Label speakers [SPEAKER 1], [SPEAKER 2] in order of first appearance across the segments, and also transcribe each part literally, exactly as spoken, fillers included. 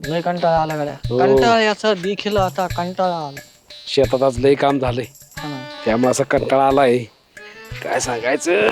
[SPEAKER 1] लय कंटाळा आला गड्या. कंटाळ्याचा देखील आता कंटाळा आला.
[SPEAKER 2] शेतात आज लय काम झालंय
[SPEAKER 1] हा ना.
[SPEAKER 2] त्यामुळे असं कंटाळा आलाय काय सांगायचं.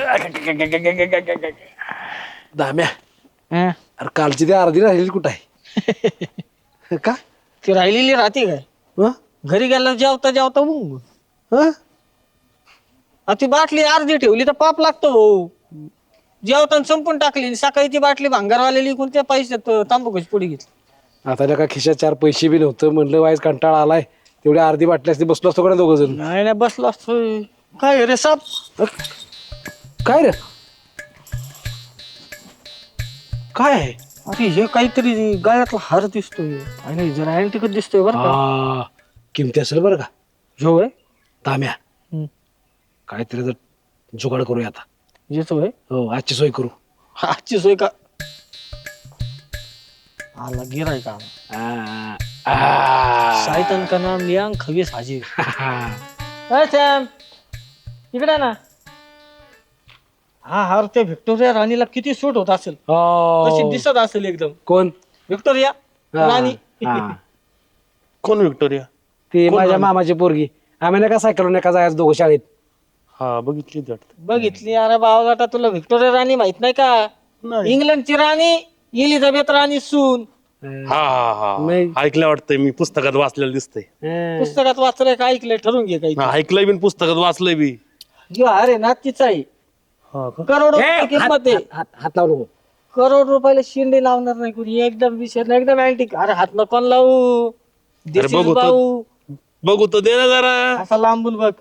[SPEAKER 2] दाम्या
[SPEAKER 1] हं?
[SPEAKER 2] अरे कालची ती अर्धी राहिली कुठं आहे का
[SPEAKER 1] ती राहिलेली राहते काय
[SPEAKER 2] हं?
[SPEAKER 1] घरी गेला जेवता जेवता मग
[SPEAKER 2] हं?
[SPEAKER 1] आ ती बाटली अर्धी ठेवली तर पाप लागतो भाऊ. जेवताना संपून टाकली आणि सकाळी ती बाटली भांगारवालेली कोणत्या पैशात तांबूकच पुढे घेतली.
[SPEAKER 2] आता का खिशात चार पैसे बी नव्हतं म्हणलं वाईज कंटाळा आलाय तेवढी अर्धी बाटली असते बसलो असतो का दोघ जण.
[SPEAKER 1] नाही नाही बसलो असतो. काय रे साप
[SPEAKER 2] काय रे काय आहे
[SPEAKER 1] अरे हे काहीतरी गळ्यातला हार दिसतोय आणि जरा अँटिकच दिसतोय बरं का.
[SPEAKER 2] हा किमती असेल बरं का
[SPEAKER 1] जो आहे
[SPEAKER 2] दाम्या
[SPEAKER 1] हम्म.
[SPEAKER 2] काहीतरी जर जुगाड करूया आता.
[SPEAKER 1] येतो आहे
[SPEAKER 2] हो आजची सोय करू.
[SPEAKER 1] आजची सोय का आला गिराय का
[SPEAKER 2] आ, आ.
[SPEAKER 1] शायतन का नाम लिया खवीस हाजीर.
[SPEAKER 2] हा.
[SPEAKER 1] सॅम इकडे ना. हा हार त्या व्हिक्टोरिया राणीला किती सूट होत असेल कशी
[SPEAKER 2] हो.
[SPEAKER 1] दिसत असेल एकदम.
[SPEAKER 2] कोण
[SPEAKER 1] व्हिक्टोरिया
[SPEAKER 2] हा,
[SPEAKER 1] राणी
[SPEAKER 2] हा.
[SPEAKER 3] कोण विक्टोरिया?
[SPEAKER 2] ती
[SPEAKER 3] कोण
[SPEAKER 2] माझ्या
[SPEAKER 3] राणी?
[SPEAKER 2] मामाची पोरगी आम्ही नका सायकलून एका जायचं दोघं शाळेत.
[SPEAKER 3] हा बघितली ती वाटतं.
[SPEAKER 1] बघितली अरे बावलाटा तुला व्हिक्टोरिया राणी माहित नाही का.
[SPEAKER 3] नाही.
[SPEAKER 1] इंग्लंडची राणी इलिझाबेथ राणी सून.
[SPEAKER 3] हा हा हा
[SPEAKER 2] नाही.
[SPEAKER 3] ऐकलं वाटतंय मी पुस्तकात वाचलेलं दिसतंय.
[SPEAKER 2] हं.
[SPEAKER 1] पुस्तकात वाचलंय का ऐकलंय ठरवून घे काही.
[SPEAKER 3] हा, ऐकलंय बी आणि पुस्तकात वाचलंय बी.
[SPEAKER 1] जो अरे ना तिचा आहे
[SPEAKER 3] हा का?
[SPEAKER 1] करोड
[SPEAKER 2] ए,
[SPEAKER 1] रुपये किंमत
[SPEAKER 2] हात
[SPEAKER 1] आहे.
[SPEAKER 2] हात- हात लावू नको.
[SPEAKER 1] करोड रुपयाला शिंदे लावणार नाही कोणी एकदम विषय नाही एकदम अँटिक. अरे हात नको लावू This is
[SPEAKER 3] बघू तर.
[SPEAKER 1] भाऊ
[SPEAKER 3] बघू तर दे ना जरा.
[SPEAKER 1] असा लांबून बघ.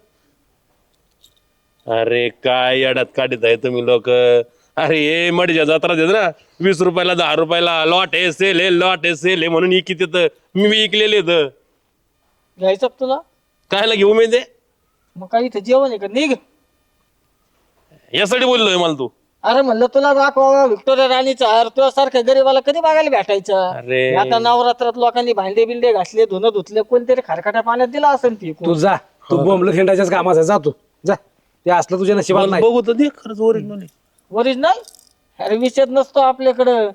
[SPEAKER 3] अरे काय अडात काढत आहे तुम्ही लोक. अरे हे मडीच्या जत्रा देत ना वीस रुपयाला दहा रुपयाला लॉट आहे सेल आहे लॉट आहे सेल आहे म्हणून इकित येतं मी विकलेले तर
[SPEAKER 1] घ्यायचं का तुला
[SPEAKER 3] कायला घेऊ मी ते
[SPEAKER 1] मग काही इथं जेवण आहे का निघ.
[SPEAKER 3] यासाठी बोललोय मला तू.
[SPEAKER 1] अरे म्हणलं तुला दाखवा व्हिक्टोरिया राणीचा हार तुझ्या सारख्या गरीबाला कधी बघायला भेटायचा.
[SPEAKER 3] अरे.
[SPEAKER 1] आता नवरात्रात लोकांनी भांडे बिंडे घासले धुणं धुतले कोणतरी खारखाट्या पाण्यात दिला असेल ती.
[SPEAKER 2] तू जा तू बोंबलं खेळायच्याच कामाचा जा तू जा ते असलं तुझ्या नशिबाला नाही.
[SPEAKER 3] बघू तर दे खरंच ओरिजिनल
[SPEAKER 1] ओरिजिनल अरे विषयच नसतो आपल्याकडं.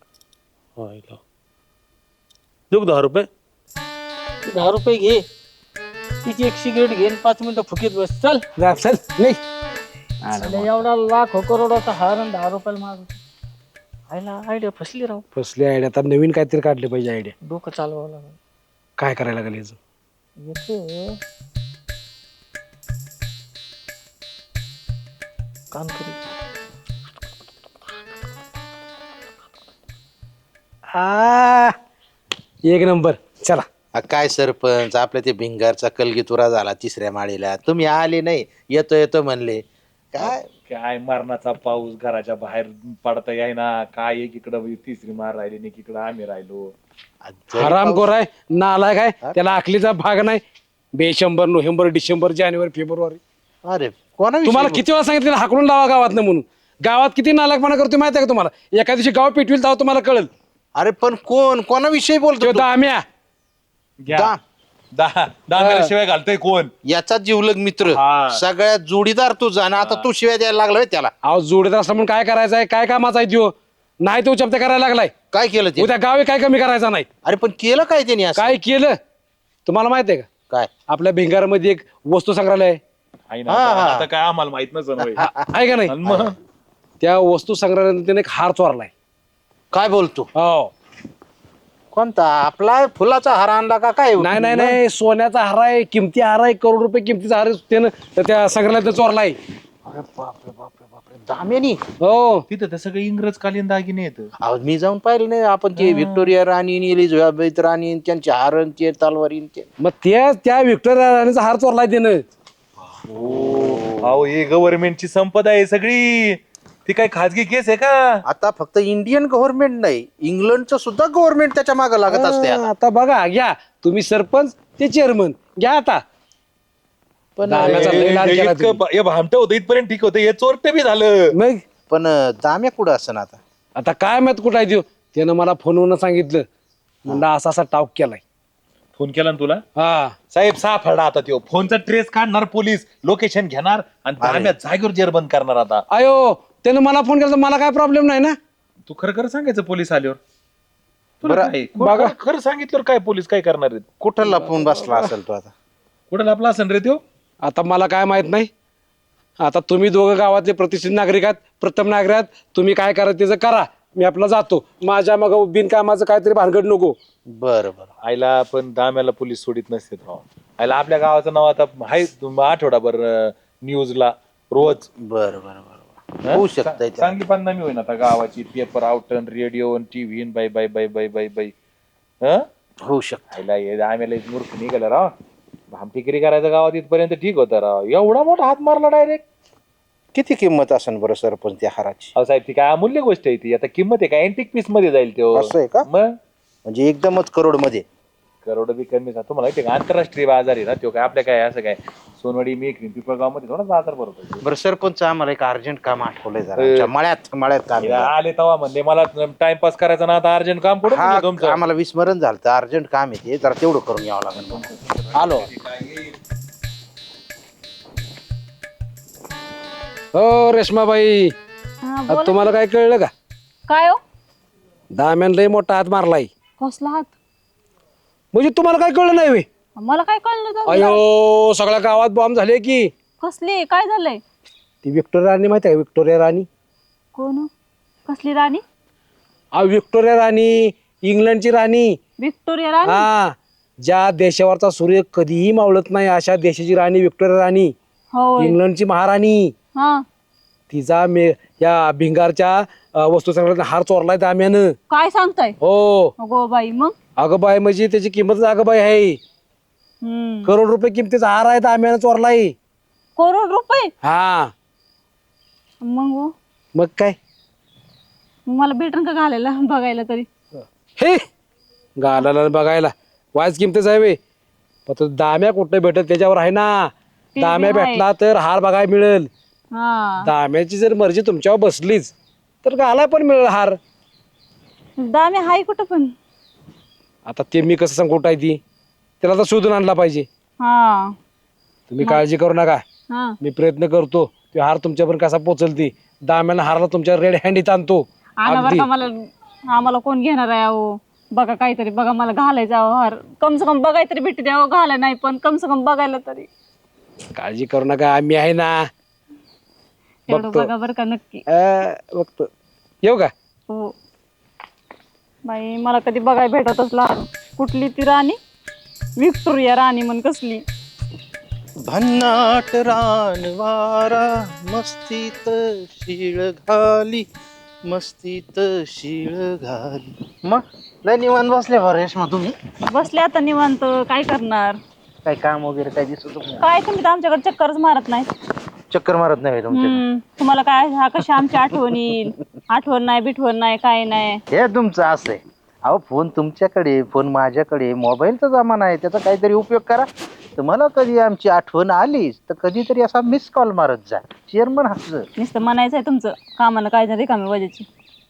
[SPEAKER 3] देऊ का दहा रुपये.
[SPEAKER 1] तू दहा रुपये घे तिची एक सिगरेट घे आणि पाच मिनिटं फुकीत बस चल.
[SPEAKER 2] जा चल नाही
[SPEAKER 1] साला एवढा लाख करोडाचा हार आणि दहा रुपयाला माग आयला आयडिया फसली राव.
[SPEAKER 2] फसली आयडिया आता नवीन काहीतरी काढले पाहिजे आयडिया.
[SPEAKER 1] डोकं चालवावं लागलं.
[SPEAKER 2] काय करायला लागेल याचं?
[SPEAKER 1] येतो काम करू.
[SPEAKER 2] आ, एक नंबर चला.
[SPEAKER 4] आ, काय सरपंच आपल्या ते भिंगारचा कलगीतुरा झाला तिसऱ्या माळीला तुम्ही आले नाही येतो येतो म्हणले काय
[SPEAKER 5] काय मरणाचा पाऊस घराच्या बाहेर पडता येईना काय एकीकडं तिसरी मार राहिली आणि एकीकडं आम्ही राहिलो.
[SPEAKER 4] जरी
[SPEAKER 2] हराम
[SPEAKER 4] पाऊस-
[SPEAKER 2] गोर आहे नालाय काय त्याला आखलीचा भाग नाही. बेशंभर नोव्हेंबर डिसेंबर जानेवारी फेब्रुवारी
[SPEAKER 4] अरे कोणा
[SPEAKER 2] तुम्हाला किती वेळा सांगितलं हाकलून लावा गावात म्हणून. गावात किती नालायकपणा करतो माहिती आहे का तुम्हाला. एका दिवशी गाव पेटविल तेव्हा तुम्हाला कळेल.
[SPEAKER 4] अरे पण कोण कोणाविषयी बोलतो
[SPEAKER 2] तो
[SPEAKER 4] तू?
[SPEAKER 2] दाम्या
[SPEAKER 5] घ्या.
[SPEAKER 4] दा-
[SPEAKER 5] दहा दहा शिवाय घालतोय कोण.
[SPEAKER 4] याचा जीवलग मित्र
[SPEAKER 5] हा.
[SPEAKER 4] सगळ्यात जोडीदार तुझा आणि आता तू शिवाय द्यायला लागलाय त्याला
[SPEAKER 2] अहो जोडीदार असला म्हणून काय करायचं आहे काय कामाचा आहे त्यो. नाही तो चपत्या करायला लागलाय.
[SPEAKER 4] काय केलं ते
[SPEAKER 2] उद्या गावी काय कमी करायचा नाही.
[SPEAKER 4] अरे पण केलं काय त्याने असं?
[SPEAKER 2] काय केलं तुम्हाला माहित आहे का.
[SPEAKER 4] काय
[SPEAKER 2] आपल्या भिंगारमध्ये एक वस्तू संग्रहालय आहे.
[SPEAKER 5] आहे ना
[SPEAKER 4] हा,
[SPEAKER 5] आता
[SPEAKER 4] हा.
[SPEAKER 5] आता काय आम्हाला माहित नसेल होय.
[SPEAKER 2] आहे का नाही.
[SPEAKER 5] आणि मग
[SPEAKER 2] त्या वस्तू संग्रहालयात त्याने एक हार चोरलाय.
[SPEAKER 4] काय बोलतो
[SPEAKER 2] हो
[SPEAKER 4] कोणता आपला फुलाचा हार आणला का काय
[SPEAKER 2] नाही नाही नाही सोन्याचा हार आहे किमती हार आहे करोड रुपये किमतीचा हार आहे, त्यानं तर त्या संग्रहालयात चोरलाय.
[SPEAKER 4] दाम्यानी
[SPEAKER 2] हो
[SPEAKER 5] तिथं तर सगळे इंग्रजकालीन दागिने येत.
[SPEAKER 4] अहो, मी जाऊन पाहिलं नाही आपण ते व्हिक्टोरिया राणी आणि एलिझाबेथ राणी आणि त्यांचे हार आणि ते तलवारी आणि ते
[SPEAKER 2] मग त्या त्या व्हिक्टोरिया राणीचा हार चोरलाय त्यानं.
[SPEAKER 5] अहो हे गव्हर्नमेंटची संपदा आहे सगळी. ती काय खाजगी केस आहे का.
[SPEAKER 4] आता फक्त इंडियन गव्हर्नमेंट नाही इंग्लंडचं सुद्धा गव्हर्नमेंट त्याच्या मागे लागत असते आता.
[SPEAKER 2] हा, आता बघा घ्या तुम्ही सरपंच ते चेअरमन घ्या आता.
[SPEAKER 4] पण
[SPEAKER 2] दाम्याचा लय लाड केला तुम्ही.
[SPEAKER 5] इतकं हे भामट होतं इथपर्यंत ठीक होतं हे चोरटे बी झालं.
[SPEAKER 2] मग
[SPEAKER 4] पण दाम्या कुठं असं आता
[SPEAKER 2] आता काय माहित कुठं आहे त्यो. त्यानं मला फोनवरून सांगितलं म्हणलं असा असा टाऊक केलाय.
[SPEAKER 5] फोन केला ना तुला
[SPEAKER 2] हा
[SPEAKER 5] साहेब सापडा आता त्यो फोनचा ट्रेस काढणार पोलीस लोकेशन घेणार आणि दाम्या जागेवर जेरबंद करणार आता.
[SPEAKER 2] अयो त्यानं मला फोन केला तर मला काय प्रॉब्लेम नाही ना.
[SPEAKER 5] तू खरं खरं सांगायचं पोलीस आल्यावर. तुला काय?
[SPEAKER 2] बघा.
[SPEAKER 5] खरं- खरं सांगितलं काय पोलीस काय करणार आहेत?
[SPEAKER 4] कुठं लपून बसला असेल तो आता?
[SPEAKER 5] कुठं लपला असेल रे त्यो?
[SPEAKER 2] आता मला काय माहित नाही. आता तुम्ही दोघं गावातले प्रतिष्ठित नागरिक आहात, प्रथम नागरिक आहात. तुम्ही काय करा त्याचं करा. मी आपला जातो. माझ्या मग बिनकामाचं काहीतरी भानगड नको.
[SPEAKER 4] बरं बरं.
[SPEAKER 5] आईला पण दाम्याला पोलीस सोडित नसते राव. आईला आपल्या गावाचं नाव आता आहे तुम- आठवडाभर न्यूजला रोज.
[SPEAKER 4] बरं बरं बरं होऊ शकतंय ते.
[SPEAKER 5] चांगली बदनामी होईन आता गावाची. पेपर आउटन radio TV bye bye bye bye bye bye हं?
[SPEAKER 4] होऊ शकत.
[SPEAKER 5] आईला हे आम्हाला एक मूर्ख निघाला राव. भामटिकरी करायचं गावात इथपर्यंत ठीक होतं राव. एवढा मोठा हात मारला डायरेक्ट.
[SPEAKER 4] किती किंमत असेल बरं सरपंच त्या हाराची?
[SPEAKER 5] अहो साहेब ती काय अमूल्य गोष्ट आहे ती. आता किंमत आहे काय अँटिक पीस मध्ये जाईल तो.
[SPEAKER 4] असं आहे का?
[SPEAKER 5] मग
[SPEAKER 4] म्हणजे एकदमच करोड मध्ये?
[SPEAKER 5] करोड बी कमी तुम्हाला माहिती आहे का आंतरराष्ट्रीय बाजार आहे ना तो. काय आपल्या काय असं काय सोनवाडी मेकरी पिपळगाव मध्ये थोडा बाजार भरतो.
[SPEAKER 4] बरं सरपंच आम्हाला एक अर्जंट काम आठवलंय जरा. आमच्या मळ्यात मळ्यात काम आहे.
[SPEAKER 5] आले तवा म्हणले मला टाइमपास करायचा ना आता अर्जंट काम पडून
[SPEAKER 4] हा
[SPEAKER 5] तुमचं.
[SPEAKER 4] आम्हाला विस्मरण झालं तर अर्जंट काम आहे ते जरा तेवढं करून यावं लागेल. आलो.
[SPEAKER 2] हो रेश्माबाई,
[SPEAKER 6] हा,
[SPEAKER 2] आता
[SPEAKER 6] बोला.
[SPEAKER 2] तुम्हाला काय कळलं का?
[SPEAKER 6] काय हो?
[SPEAKER 2] दाम्यान लय मोठा हात मारलाय.
[SPEAKER 6] कसला हात?
[SPEAKER 2] म्हणजे तुम्हाला काय कळलं नाही वे?
[SPEAKER 6] मला काय कळलं तर?
[SPEAKER 2] अयो सगळ्या गावात बॉम्ब झाले की.
[SPEAKER 6] कसली? काय झालंय?
[SPEAKER 2] ती विक्टोरिया राणी माहिती आहे का? विक्टोरिया राणी.
[SPEAKER 6] कोण? कसली राणी?
[SPEAKER 2] आ विक्टोरिया राणी, इंग्लंडची राणी.
[SPEAKER 6] विक्टोरिया राणी?
[SPEAKER 2] हा, ज्या देशावरचा सूर्य कधीही मावळत नाही अशा देशाची राणी विक्टोरिया राणी.
[SPEAKER 6] होय.
[SPEAKER 2] इंग्लंडची महाराणी.
[SPEAKER 6] हा.
[SPEAKER 2] तिचा मे या भिंगारच्या अ, वस्तू संग्रहालयात हार चोरलाय दाम्यानं.
[SPEAKER 6] काय सांगताय?
[SPEAKER 2] हो.
[SPEAKER 6] अगो बाई मग?
[SPEAKER 2] अगं बाई म्हणजे त्याची किंमत अगं बाई आहे.
[SPEAKER 6] हम्म.
[SPEAKER 2] करोड रुपये किमतीचा हार आहे दाम्यानं चोरलाय.
[SPEAKER 6] करोड रुपये?
[SPEAKER 2] हा
[SPEAKER 6] मग हो?
[SPEAKER 2] मग काय?
[SPEAKER 6] मग मला भेटन का घालायला बघायला तरी?
[SPEAKER 2] हे गालाला बघायला वायच किमतीच आहे वे. पण तो दाम्या कुठं भेटत त्याच्यावर आहे ना.
[SPEAKER 6] ते
[SPEAKER 2] दाम्या
[SPEAKER 6] बी आहे.
[SPEAKER 2] भेटला तर हार बघायला मिळेल.
[SPEAKER 6] हा.
[SPEAKER 2] दाम्याची जर मर्जी तुमच्यावर बसलीच तर गाला पण मिळेल हार.
[SPEAKER 6] दामे हाय कुठं पण?
[SPEAKER 2] आता ते मी कसं सांगू कुठं आहे ती, त्याला तर शोधून आणला पाहिजे.
[SPEAKER 6] हा.
[SPEAKER 2] तुम्ही काळजी करू नका.
[SPEAKER 6] हा.
[SPEAKER 2] मी प्रयत्न करतो ते हार तुमच्यापर्यंत कसा पोहोचल ती. दाम्यानं हारला तुमच्या रेड हँडीत आणतो.
[SPEAKER 6] आणा बरं
[SPEAKER 2] अगदी.
[SPEAKER 6] का मला. आम्हाला कोण घेणार आहे अहो? बघा काहीतरी बघा मला घालायचा अहो हार. कम से कम बघाय तरी भेटते अहो. घाला नाही पण कम से कम बघायला तरी.
[SPEAKER 2] काळजी करू नका आम्ही आहे ना.
[SPEAKER 6] तेवढं
[SPEAKER 2] बघतो.
[SPEAKER 6] बघा बरं का नक्की.
[SPEAKER 2] अं, बघतो. येऊ का?
[SPEAKER 6] हो. बाई मला कधी बघाय भेटतच लहान. कुठली ती राणी? विक्टोरिया राणी म्हण कसली.
[SPEAKER 4] भन्नाट रानवारा मस्तीत शिळ घाली, मस्तीत शिळ घाली. मग लय निवांत बसले बरं रेश्मा तुम्ही?
[SPEAKER 6] बसले आता निवांत. काय करणार?
[SPEAKER 4] काय काम वगैरे काय दिसत नाही?
[SPEAKER 6] काय तुम्ही तर आमच्याकडे चक्करच मारत नाही.
[SPEAKER 4] चक्कर मारत नाही तुमच्या?
[SPEAKER 6] हम्म. तुम्हाला काय हा कशा आमची आठवण येईल? आठवण नाही बिठवण नाही काय नाही.
[SPEAKER 4] हे तुमचं असं आहे. अहो फोन तुमच्याकडे, फोन माझ्याकडे, मोबाईलचा जमाना आहे. त्याचा काहीतरी उपयोग करा. तुम्हाला कधी आमची आठवण आलीच तर कधीतरी असा मिस कॉल मारत जा. चेअरमन हसं.
[SPEAKER 6] नुसतं म्हणायचं आहे तुमचं. कामाला काय नाही रिकामी वजाची.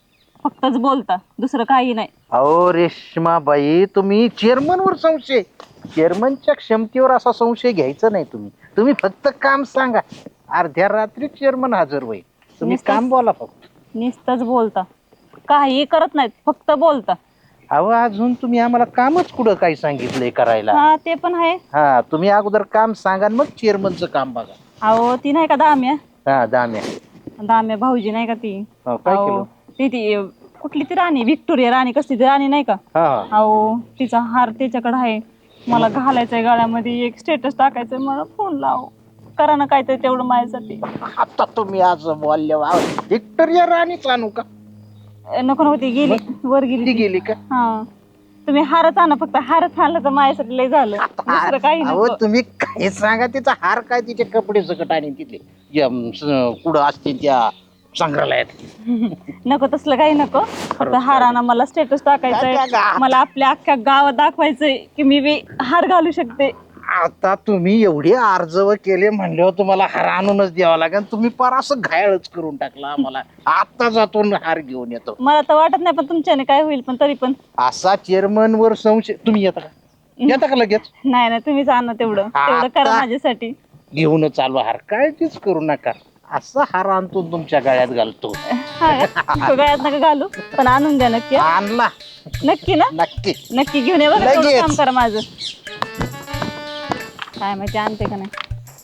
[SPEAKER 6] फक्तच बोलता दुसरं काही नाही.
[SPEAKER 4] अहो रेश्माबाई तुम्ही चेअरमन वर संशय, चेअरमनच्या क्षमतेवर असा संशय घ्यायचा नाही. तुम्ही तुम्ही फक्त काम सांगा. अर्ध्या रात्री चेअरमन हजर होईल. तुम्ही
[SPEAKER 6] नुसतं-
[SPEAKER 4] काम बोला फक्त.
[SPEAKER 6] नुसतंच बोलता. काही करत नाहीत फक्त बोलता.
[SPEAKER 4] अहो अजून तुम्ही आम्हाला कामच कुठं काही सांगितलंय करायला?
[SPEAKER 6] हा ते पण आहे.
[SPEAKER 4] हा तुम्ही अगोदर काम सांगा आणि मग चेअरमनचं काम बघा.
[SPEAKER 6] अहो ती नाही का दाम्या?
[SPEAKER 4] हा दाम्या.
[SPEAKER 6] दाम्या भाऊजी नाही का ती?
[SPEAKER 4] हो, काय
[SPEAKER 6] अहो,
[SPEAKER 4] केलं?
[SPEAKER 6] ती ती कुठली ती राणी विक्टोरिया राणी कसली ती राणी नाही का?
[SPEAKER 4] हा हा.
[SPEAKER 6] अहो तिचा हार त्याच्याकडे आहे. मला घालायचंय गळ्यामध्ये. एक स्टेटस टाकायचंय. मला फोन लाव करा ना काहीतरी तेवढं माझ्यासाठी.
[SPEAKER 4] आता तुम्ही आज बोलले वा. विक्टोरिया राणीच आणू का?
[SPEAKER 6] अ, नको नको ती गेली वर गेली
[SPEAKER 4] ती
[SPEAKER 6] ती.
[SPEAKER 4] गेली का?
[SPEAKER 6] हा तुम्ही हारच आणा फक्त. हारच आणलं तर माझ्यासाठी लय झालं. दुसरं काही
[SPEAKER 4] अहो
[SPEAKER 6] नको.
[SPEAKER 4] तुम्ही काय सांगा. तिचा हार काय तिचे कपडे सकट आणि तिथले जे, अम, स- कुठं असतील त्या संग्रहालयात.
[SPEAKER 6] नको तसलं काही नको. फक्त हार आणा. मला स्टेटस टाकायचंय.
[SPEAKER 4] काय गा-
[SPEAKER 6] मला आपल्या अख्ख्या गावात दाखवायचंय की मी बी हार घालू शकते.
[SPEAKER 4] आता तुम्ही एवढे अर्जव केले म्हणल्यावर तुम्हाला हार आणूनच द्यावा लागेल. तुम्ही पार असं घायळच करून टाकला आम्हाला. आता जातो न हार घेऊन येतो.
[SPEAKER 6] मला तर वाटत नाही पण तुमच्याने काय होईल. पण तरी पण
[SPEAKER 4] असा चेअरमन वर संशय. तुम्ही येता का? येता का लगेच?
[SPEAKER 6] नाही ना तुम्हीच आणा तेवढं. तेवढं करा
[SPEAKER 4] आता-
[SPEAKER 6] माझ्यासाठी.
[SPEAKER 4] घेऊन चालू हार. काळजीच करू नका. असा हार आणतो तुमच्या गळ्यात घालतो.
[SPEAKER 6] हा का? गळ्यात नका घालू पण आणून द्या नक्की हा?
[SPEAKER 4] आणला
[SPEAKER 6] नक्की ना
[SPEAKER 4] नक्की.
[SPEAKER 6] नक्की घेऊन ये बघा तेवढं
[SPEAKER 4] लगेच.
[SPEAKER 6] काम करा माझं काय माहिती आणते का नाही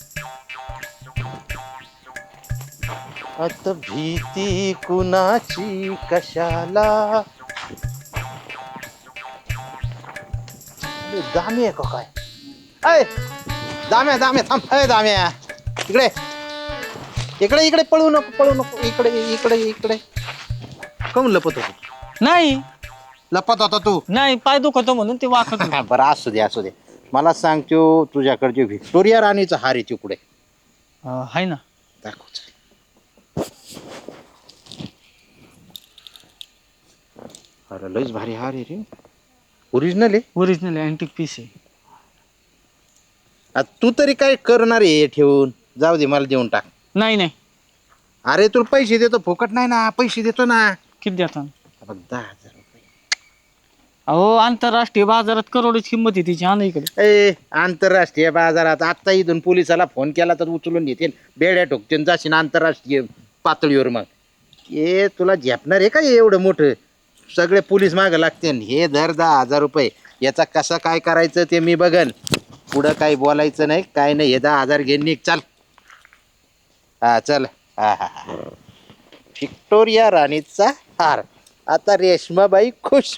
[SPEAKER 4] अत भीती कुणाची कशाला. अरे, दाम्या आहे का काय? अय दाम्या दाम्या थांब. अय दाम्या इकडे इकडे इकडे पळू नको पळू नको इकडे इकडे इकडे. कोण लपत होतो?
[SPEAKER 1] नाही
[SPEAKER 4] लपत होता तू?
[SPEAKER 1] नाही पाय दुखतो म्हणून ते वाकत होते.
[SPEAKER 4] बरं असू दे असू दे. मला सांगतो तुझ्याकडचे व्हिक्टोरिया राणीचा हार आहे तिकडे
[SPEAKER 1] अं, हाय ना.
[SPEAKER 4] दाखव. अरे लयच भारी हार आहे रे. ओरिजिनल आहे.
[SPEAKER 1] ओरिजिनल अँटिक पीस आहे.
[SPEAKER 4] आ, तू तरी काय करणार आहे ठेवून? जाऊ दे मला देऊन टाक.
[SPEAKER 1] नाही नाही
[SPEAKER 4] अरे तुला पैसे देतो फुकट नाही ना. पैसे देतो ना.
[SPEAKER 1] किती देता
[SPEAKER 4] बघ दहा हजार रुपये.
[SPEAKER 1] अहो आंतरराष्ट्रीय बाजारात करोडची किंमत आहे तिची. हा ना इकडे.
[SPEAKER 4] ए आंतरराष्ट्रीय बाजारात आता इथून पोलिसाला फोन केला तर उचलून घेतील. बेड्या ठोकतील जाशील आंतरराष्ट्रीय पातळीवर. मग हे तुला झेपणार आहे का हे एवढं मोठं? सगळे पोलीस मागं लागतील. हे धर दहा हजार रुपये. याचा कसं काय करायचं ते मी बघन. पुढं काही बोलायचं नाही काय नाही. हे दहा हजार घेऊन निघ चाल. हा चल. हा हा हा व्हिक्टोरिया राणीचा हार. आता रेशमाबाई खुश.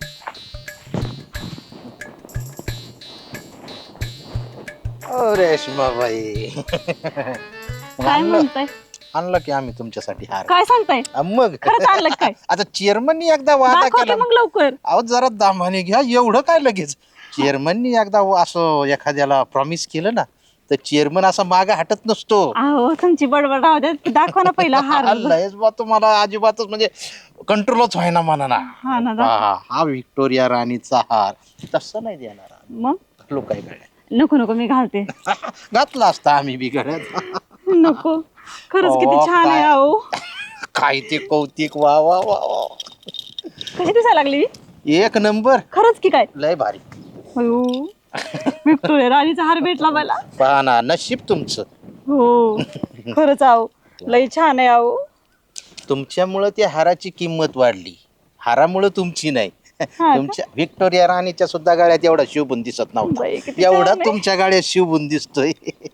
[SPEAKER 4] ओ रेशमाबाई
[SPEAKER 6] काय म्हणताय
[SPEAKER 4] आणलं की आम्ही तुमच्यासाठी हार.
[SPEAKER 6] काय सांगताय
[SPEAKER 4] आ, मग
[SPEAKER 6] खरंच आणलं काय
[SPEAKER 4] आता चेअरमननी एकदा वादा
[SPEAKER 6] दाखवा
[SPEAKER 4] केला.
[SPEAKER 6] की मग लवकर
[SPEAKER 4] अहो जरा दामाने घ्या. एवढं काय लगेच? चेअरमननी एकदा असं एखाद्याला प्रॉमिस केलं ना तर चेअरमन असा मागे हटत नसतो.
[SPEAKER 6] अहो तुमची बडबड राहू द्या दाखवा ना पहिला हार
[SPEAKER 4] लयच बा तुम्हाला अजिबातच म्हणजे कंट्रोलच व्हायना म्हणा ना.
[SPEAKER 6] हा ना दाखवा.
[SPEAKER 4] हा हा व्हिक्टोरिया राणीचा हार तसं नाही देणार.
[SPEAKER 6] मग
[SPEAKER 4] लोक काय गळ्यात
[SPEAKER 6] नको नको मी घालते
[SPEAKER 4] घातला असता आम्ही बी गळ्यात.
[SPEAKER 6] नको खरंच किती
[SPEAKER 4] अहो,
[SPEAKER 6] छान आहे
[SPEAKER 4] काय-
[SPEAKER 6] अहो
[SPEAKER 4] काय ते कौतिक. वा वा वा वा.
[SPEAKER 6] कशी दिसायला लागली
[SPEAKER 4] एक नंबर.
[SPEAKER 6] खरंच की काय
[SPEAKER 4] लय भारी.
[SPEAKER 6] अयो व्हिक्टोरिया राणीचा हार भेटला मला
[SPEAKER 4] पहा ना नशीब तुमचं.
[SPEAKER 6] हो खरंच आहो लई छान आहे आहो
[SPEAKER 4] तुमच्यामुळं त्या हाराची किंमत वाढली. हारामुळं तुमची नाही.
[SPEAKER 6] का?
[SPEAKER 4] तुमच्या व्हिक्टोरिया राणीच्या सुद्धा गाड्यात एवढा शिवबुन दिसत
[SPEAKER 6] बाई,
[SPEAKER 4] नव्हता.
[SPEAKER 6] किती
[SPEAKER 4] एवढा
[SPEAKER 6] छान आहे.
[SPEAKER 4] तुमच्या गाड्यात शिवबुन दिसतोय.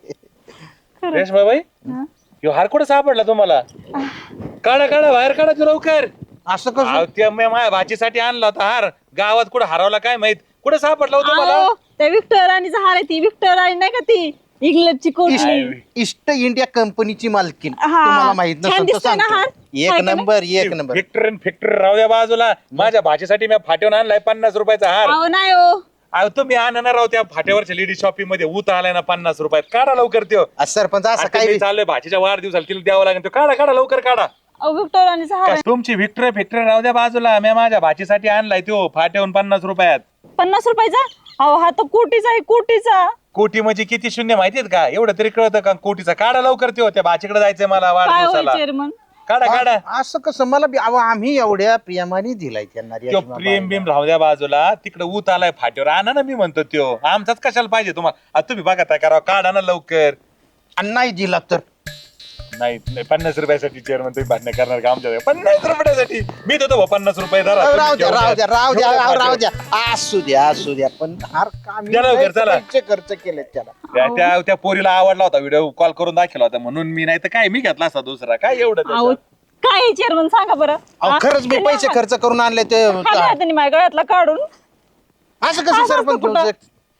[SPEAKER 6] खरंच.
[SPEAKER 5] रेशमाबाई
[SPEAKER 6] हा?
[SPEAKER 5] ह्यो हार कुठे सापडला तुम्हाला? काढा काढा बाहेर काढा तू लवकर.
[SPEAKER 4] असं कसं?
[SPEAKER 5] अहो, त्या मी माझ्या भाचीसाठी आणला होता हार. गावात कुठे हरवला काय माहित. कुठे सापडला होता मला?
[SPEAKER 6] अहो, त्या व्हिक्टोरिया राणीचा हार आहे ती व्हिक्टोरिया राणी नाही का ती इंग्लंडची कोटली
[SPEAKER 4] ईस्ट इंडिया कंपनीची मालकीन.
[SPEAKER 6] हा.
[SPEAKER 4] तुम्हाला माहित
[SPEAKER 6] छान
[SPEAKER 4] नसेल तर
[SPEAKER 6] दिसतोय ना
[SPEAKER 4] सांगतो.
[SPEAKER 6] हार?
[SPEAKER 4] एक
[SPEAKER 6] हाय का नाही?
[SPEAKER 4] नंबर एक नंबर.
[SPEAKER 5] फॅक्टरी फॅक्टरी राहू द्या बाजूला. माझ्या भाचीसाठी मी फाट्यावर आणलाय पन्नास रुपयाचा हार.
[SPEAKER 6] अहो नाही हो
[SPEAKER 5] अहो तुम्ही आणणार राहू त्या फाट्यावरच्या लेडी शॉपिंग मध्ये ऊत आलाय ना पन्नास रुपयात. काढा लवकर त्यो.
[SPEAKER 4] आ, सरपंच असं
[SPEAKER 5] आता
[SPEAKER 4] काय
[SPEAKER 5] मी चाललोय भाचीच्या वाढदिवसाला तिला द्यावं लागेल. तो काढा काढा लवकर काढा.
[SPEAKER 6] अहो व्हिक्टोरिया राणीचा हार आहे.
[SPEAKER 5] तुमची व्हिक्टरी फॅक्टरी राहू द्या बाजूला. मी माझ्या भाचीसाठी आणलाय तो फाट्यावरून पन्नास रुपयात.
[SPEAKER 6] पन्नास रुपयाचा अहो हा तर कोटीचा आहे कोटीचा
[SPEAKER 5] कोटी म्हणजे किती शून्य माहितीये का? एवढं तरी कळतं का कोटीचा? काढा लवकर त्यो. त्या भाचीकडे जायचंय मला
[SPEAKER 6] काय होय
[SPEAKER 5] वाढदिवसाला.
[SPEAKER 6] चेअरमन
[SPEAKER 5] काढा काढा.
[SPEAKER 4] आ, असं कसं? मला बी- अहो, आम्ही एवढ्या प्रियमाने दिलाय त्यांना
[SPEAKER 5] त्यो प्रेम बिम राहू द्या बाजूला. तिकडे ऊत आलाय फाट्यावर. आणा ना मी म्हणतो त्यो. आमचाच कशाला पाहिजे तुम्हाला? आता तुम्ही बघा काय करावं. काढा ना लवकर.
[SPEAKER 4] आणि नाही दिला तर
[SPEAKER 5] नाही नाही, पन्नास रुपयासाठी चेअरमन तुम्ही भांडण करणार का आमच्या? पन्नास रुपयासाठी मी देतो भाऊ पन्नास रुपये धरा.
[SPEAKER 4] अहो, राहू
[SPEAKER 5] तुम्ही
[SPEAKER 4] द्या
[SPEAKER 5] घेऊन
[SPEAKER 4] राहू
[SPEAKER 5] जा.
[SPEAKER 4] द्या राहू द्या
[SPEAKER 5] घेऊन जा
[SPEAKER 4] अहो, राहू
[SPEAKER 5] फाट्यावर.
[SPEAKER 4] द्या. असू द्या असू द्या पण हार का मी
[SPEAKER 5] द्या लवकर,
[SPEAKER 4] लयच
[SPEAKER 5] चला.
[SPEAKER 4] पैसे खर्च केले त्याला.
[SPEAKER 5] त्या त्या- त्या पोरीला आवडला होता व्हिडिओ कॉल करून दाखवला होता म्हणून मी. नाही तर काय मी घेतला असता दुसरा. काय एवढं
[SPEAKER 6] अहो
[SPEAKER 5] त्याच्यात?
[SPEAKER 6] काय चेअरमन सांगा बरं
[SPEAKER 4] अहो
[SPEAKER 6] हा?
[SPEAKER 4] खरंच मी
[SPEAKER 6] त्याने
[SPEAKER 4] पैसे
[SPEAKER 6] हा-
[SPEAKER 4] खर्च करून आणले ते.
[SPEAKER 6] खाली हाताने माझ्या गळ्यातला काढून
[SPEAKER 4] असं कसं
[SPEAKER 6] असं
[SPEAKER 4] सरपंच
[SPEAKER 6] कुठं?
[SPEAKER 4] तुमचं?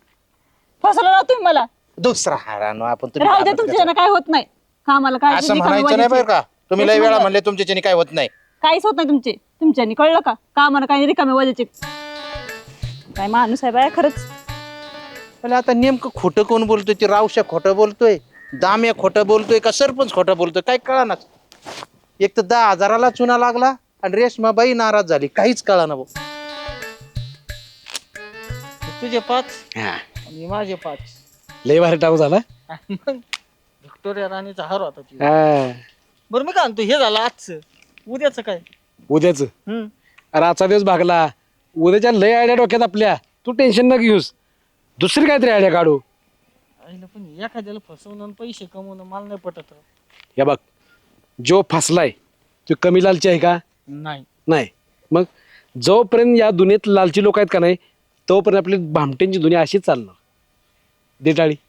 [SPEAKER 6] फसवलं ना तुम्ही मला
[SPEAKER 4] दुसरा हार आणू आपण. तुम्ही
[SPEAKER 6] राहू द्या
[SPEAKER 4] काय
[SPEAKER 6] तुमच्या काय होत नाही का मला काय
[SPEAKER 4] असं म्हणायचं नाही बरं का? तुम्ही लय वेळा म्हणले तुमच्याच्याने काय होत नाही.
[SPEAKER 6] काहीच होत नाही तुमचे तुमच्यानी कळलं का का मला काही रिकामे वजाचे काय माणूस आहे बाय खरंच
[SPEAKER 4] पण आता नेमकं खोटं कोण बोलतोय? ते रावशा खोटं बोलतोय, दाम्या खोटं बोलतोय का सरपंच खोटं बोलतोय? काय कळना. एक तर दहा हजाराला चुना लागला आणि रेशमाबाई नाराज झाली. काहीच कळना भाऊ.
[SPEAKER 1] तुझे पाच आणि माझे पाच.
[SPEAKER 2] लय भारी टाकू झाला.
[SPEAKER 1] मग व्हिक्टोरिया राणीचा हार होता ती.
[SPEAKER 2] हा.
[SPEAKER 1] बरं मी काय म्हणतो हे झालं आजचं. उद्याचं काय?
[SPEAKER 2] उद्याच
[SPEAKER 1] हम्म
[SPEAKER 2] अरे आजचा दिवस भागला. उद्याच्या लय आयडिया डोक्यात आपल्या. तू टेन्शन न घेऊस. दुसरी काहीतरी आयडिया काढू.
[SPEAKER 1] आईला पण एखाद्याला फसवणं आणि पैसे कमवणं मला नाही पटत.
[SPEAKER 2] हे बघ जो फसलाय तो कमी लालची आहे का?
[SPEAKER 1] नाही.
[SPEAKER 2] नाही. मग जोपर्यंत या दुनियेत लालची लोक आहेत का नाही तोपर्यंत आपली भामटेंची दुनिया अशीच चालणार. दे टाळी.